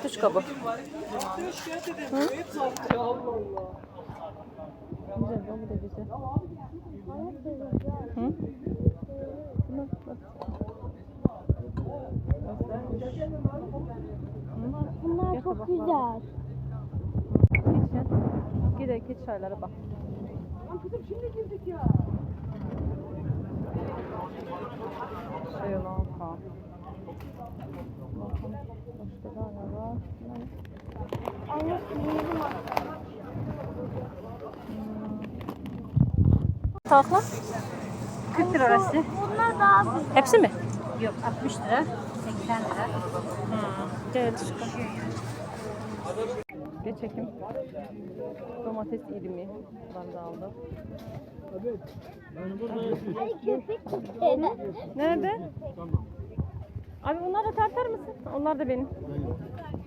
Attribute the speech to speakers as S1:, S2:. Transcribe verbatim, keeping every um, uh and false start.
S1: Latuşka bu. Hı? Güzel, bu da güzel. Hı? Buna bak.
S2: Bunlar çok güzel.
S1: Geçin. Gidelim geç çaylara bak.
S3: Kızım şimdi girdik ya.
S1: Şey olan kan. Bakın başka da ne var?
S2: Anne sinirli var.
S1: Tavuklar? kırk lira orası.
S2: Bunlar daha güzel.
S1: Hepsi mi?
S4: Yok altmış lira, seksen lira.
S1: Gel çıkın. Geç çekim. Domates irimi. Ben de aldım.
S2: Ay köpek çıktı.
S1: Nerede? Abi onları da tartar mısın? Onlar da benim.